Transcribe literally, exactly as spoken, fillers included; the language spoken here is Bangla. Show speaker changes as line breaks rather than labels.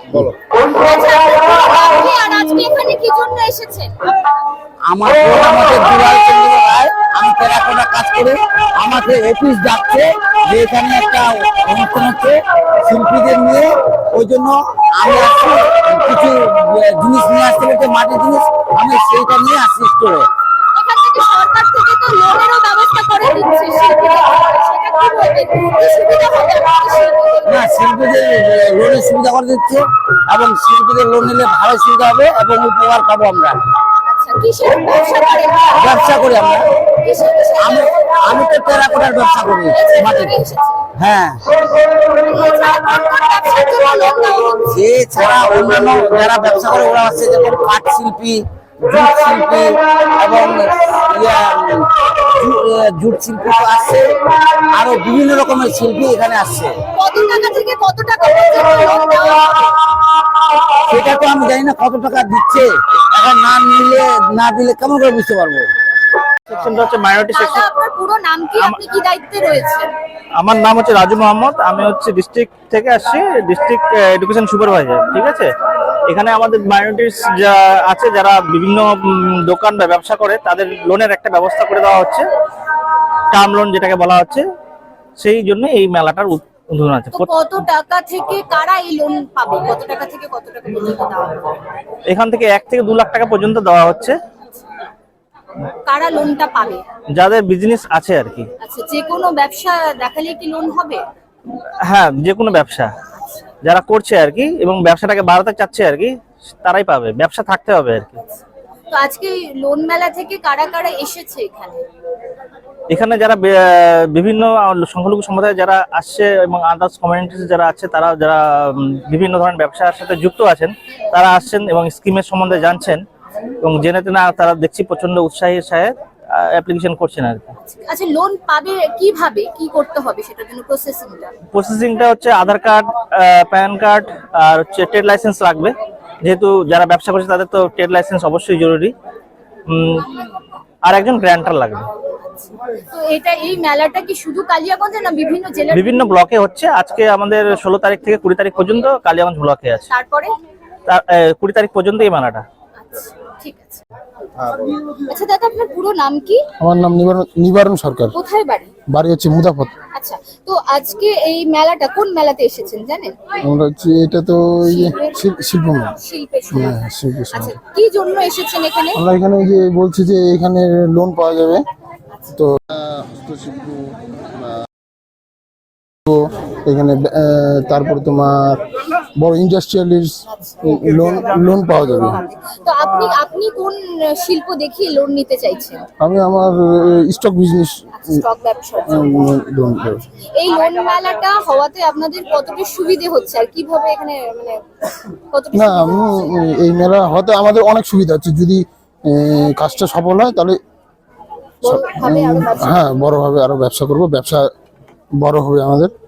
বলো। আমার বোন আমাকে দুলাল চন্দ্র রায়, আমি টেরাকোটা কাজ করে, আমাকে অফিস ডাকছে যে এখানে একটা অনুষ্ঠান হচ্ছে শিল্পীদের নিয়ে, ওই জন্য আমি আসছি কিছু জিনিস নিয়ে আসতে বলতে, মাটির জিনিস, আমি সেইটা নিয়ে আসছি স্টোরে।
সরকার থেকে তো লোনেরও ব্যবস্থা করে দিচ্ছে শিল্পীদের, সেটা কি বলবেন, কি সুবিধা হবে শিল্পীদের?
না, শিল্পীদের লোনের সুবিধা করে দিচ্ছে এবং শিল্পীদের লোন নিলে ভালো সুবিধা হবে এবং উপকার পাবো আমরা।
আচ্ছা, কিসের ব্যবসা করেন?
ব্যবসা করি আমরা।
কিসের কিসের?
আমি আমি তো টেরাকোটার ব্যবসা করি মাটির। হ্যাঁ, এছাড়া অন্যান্য যারা ব্যবসা করে ওরা আছে, যেমন কাঠ শিল্পী, জুট শিল্পী এবং জুট শিল্পী তো আসছে, আরো বিভিন্ন রকমের শিল্পী এখানে আসছে।
কত টাকা থেকে কত টাকা পর্যন্ত লোন দেওয়া হবে?
সেটা তো আমি জানি না কত টাকা দিচ্ছে, এখন না নিলে না দিলে কেমন করে বুঝতে পারবো।
সেকশনটা হচ্ছে মাইনরিটি সেকশন।
আপনার পুরো নাম কি, আপনি কি দায়িত্বে রয়েছেন?
আমার নাম হচ্ছে রাজু মোহাম্মদ, আমি হচ্ছে ডিস্ট্রিক্ট থেকে আসছি, ডিস্ট্রিক্ট এডুকেশন সুপারভাইজার। ঠিক আছে, এখানে আমাদের মাইনরিটিস যা আছে, যারা বিভিন্ন দোকান বা ব্যবসা করে, তাদের লোনের একটা ব্যবস্থা করে দেওয়া হচ্ছে, টার্ম লোন যেটাকে বলা হচ্ছে। সেই জন্য এই মেলাটার উদ্বোধন আছে।
কত টাকা থেকে কারা এই লোন পাবে? কত টাকা থেকে কত টাকা পর্যন্ত দেওয়া হবে?
এখান থেকে এক থেকে দু লাখ টাকা পর্যন্ত দেওয়া হচ্ছে।
কারা লোনটা পাবে?
যাদের বিজনেস আছে আর কি।
আচ্ছা, যে কোনো ব্যবসা দেখালে কি লোন হবে?
হ্যাঁ, যে কোনো ব্যবসা যারা করছে আর কি এবং ব্যবসাটাকে বাড়াতে চাচ্ছে আর কি, তারাই পাবে, ব্যবসা থাকতে হবে আর কি।
তো আজকে লোন মেলা থেকে কারা কারা এসেছে এখানে?
এখানে যারা বিভিন্ন সংখ্যালঘু সম্প্রদায় যারা আসছে এবং আদার্স কমিউনিটিস যারা আছে, তারা যারা বিভিন্ন ধরনের ব্যবসার সাথে যুক্ত আছেন, তারা আসছেন এবং স্কিমের সম্বন্ধে জানছেন এবং জেনে তেনা তারা দেখছি প্রচন্ড উৎসাহের সাথে অ্যাপ্লিকেশন করছেন আর কি।
আচ্ছা, লোন পাবে কিভাবে, কি করতে হবে সেটার জন্য প্রসেসিংটা?
প্রসেসিংটা হচ্ছে আধার কার্ড, প্যান কার্ড আর হচ্ছে ট্রেড লাইসেন্স লাগবে, যেহেতু যারা ব্যবসা করছে তাদের তো ট্রেড লাইসেন্স অবশ্যই জরুরি, আর একজন গ্র্যান্টার লাগবে।
তো এটা, এই মেলাটা কি শুধু কালিয়াগঞ্জে না বিভিন্ন জেলায়?
বিভিন্ন ব্লকে হচ্ছে। আজকে আমাদের ষোলো তারিখ থেকে কুড়ি তারিখ পর্যন্ত কালিয়াগঞ্জ ব্লকে আছে,
তারপরে
কুড়ি তারিখ পর্যন্ত এই মেলাটা।
ঠিক আছে। আচ্ছা দাদা, আপনার পুরো নাম কি?
আমার নাম নিবারণ নিবারণ সরকার।
কোথায় বাড়ি?
বাড়ি হচ্ছে মুদাফত।
আচ্ছা, তো আজকে এই মেলাটা কোন মেলাতে এসেছেন জানেন?
আমরা হচ্ছে এটা তো শিল্প মেলা।
শিল্পের
হ্যাঁ,
সময়।
শিল্প।
আচ্ছা, কি জন্য এসেছেন এখানে?
আমরা এখানে যে বলছি যে এখানে লোন পাওয়া যাবে, তো হস্তশিল্প এখানে, তারপরে তোমার বড় ইন্ডাস্ট্রিয়ালিস্ট লোন লোন পাওয়া যাবে।
তো আপনি আপনি কোন শিল্প দেখিয়ে লোন নিতে চাইছেন?
আমি আমার স্টক বিজনেস
স্টক ব্যবসা।
লোন।
এই লোন মেলাটা হওয়াতে আপনাদের কতটা সুবিধে হচ্ছে আর কিভাবে এখানে মানে কতটা?
না, এই মেলা হতে আমাদের অনেক সুবিধা হচ্ছে, যদি কাজটা সফল হয় তাহলে হ্যাঁ বড়ভাবে আরো ব্যবসা করবো, ব্যবসা বড় হবে আমাদের।